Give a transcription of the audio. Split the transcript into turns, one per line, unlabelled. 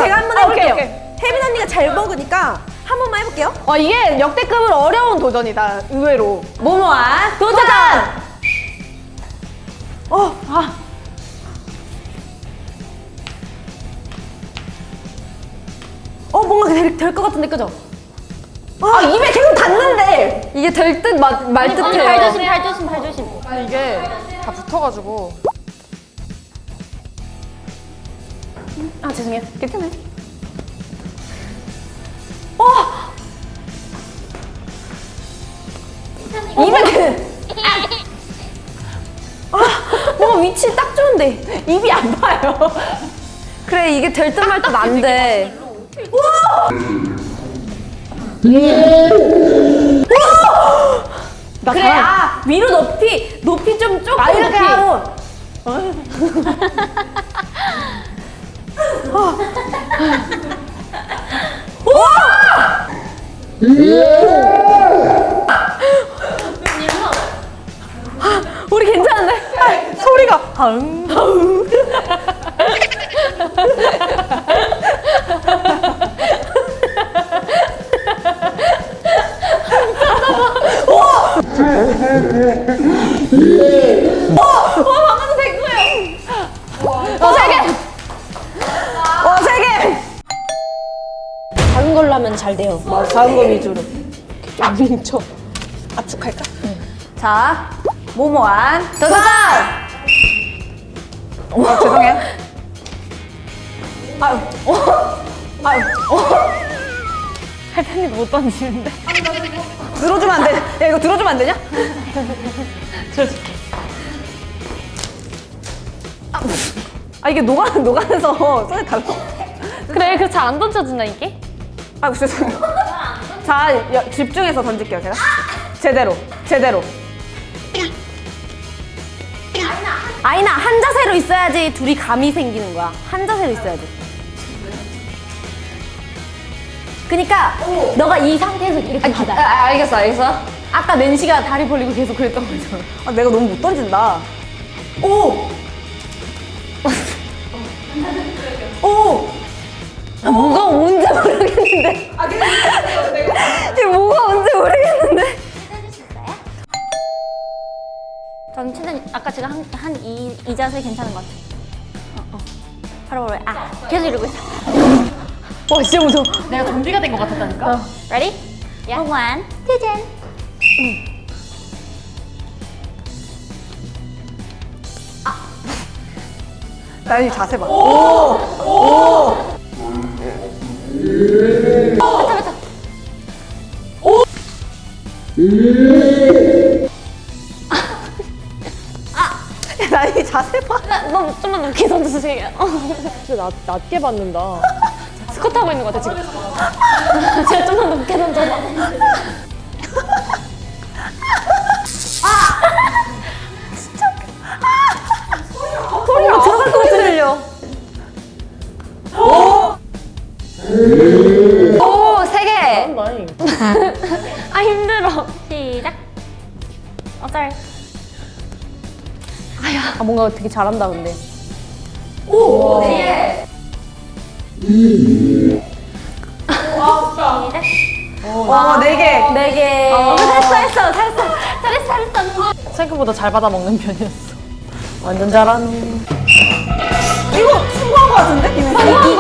제가 한번 해볼게요.
오케이.
혜민 언니가 잘 먹으니까 한 번만 해볼게요.
이게 역대급으로 어려운 도전이다, 의외로.
모모아 도전! 뭔가 될 것 같은데, 그죠?
입에 계속 닿는데!
이게 될 듯 말 듯해요.
발 조심.
아니 이게 다 붙어가지고.
죄송해요. 괜찮아요. 입에
뭔가 위치 딱 좋은데.
입이 안 봐요.
그래, 이게 될 듯 말 듯 안 돼.
나
그래, 위로 높이 좀 조금
이렇게
높이.
하고.
우리 괜찮은데?
소리가.
방금 된 거예요. 세 개. 세 개. 작은 걸로 하면 잘 돼요.
작은 거 위주로. 좀 뭉쳐. 압축할까?
자, 모모한 도전!
죄송해요.
할머니도 못 던지는데.
들어주면 안 돼. 야, 이거 들어주면 안 되냐?
들어줄게.
이게 녹아내서 손에 달라.
그래, 그 잘 안 던져진다, 이게?
죄송해요. 자, 집중해서 던질게요, 제가. 제대로. 아이나, 한 자세로 있어야지 둘이 감이 생기는 거야. 한 자세로 있어야지. 그니까, 너가 이 상태에서 이렇게 받아.
알겠어.
아까 낸시가 다리 벌리고 계속 그랬던 거잖아. 내가 너무 못 던진다. 뭐가 뭔지 모르겠는데. 이게 뭐가 뭔지 모르겠는데.
전 최대한 아까 제가 이 자세 괜찮은 것 같아. 바로. 계속 이러고 있어.
진짜 무서워.
내가 좀비가 된 것 같았다니까.
Ready? Yeah. One, 도전.
나연이 자세 봐. 나연이 자세 봐.
너 좀만 높게 던져주세요.
진짜 낮게 받는다.
스쿼트 하고 있는 것 같아, 지금. 제가 좀만 높게 던져봐.
소리가 들어갈 것 같아, 들려. 세 개.
나이.
힘들어. 시작. 짤.
뭔가 되게 잘한다, 근데.
시작.
네 개. 네 개.
잘했어.
생각보다 잘 받아 먹는 편이었어.
완전 잘하네.
이거 승부한 것 같은데?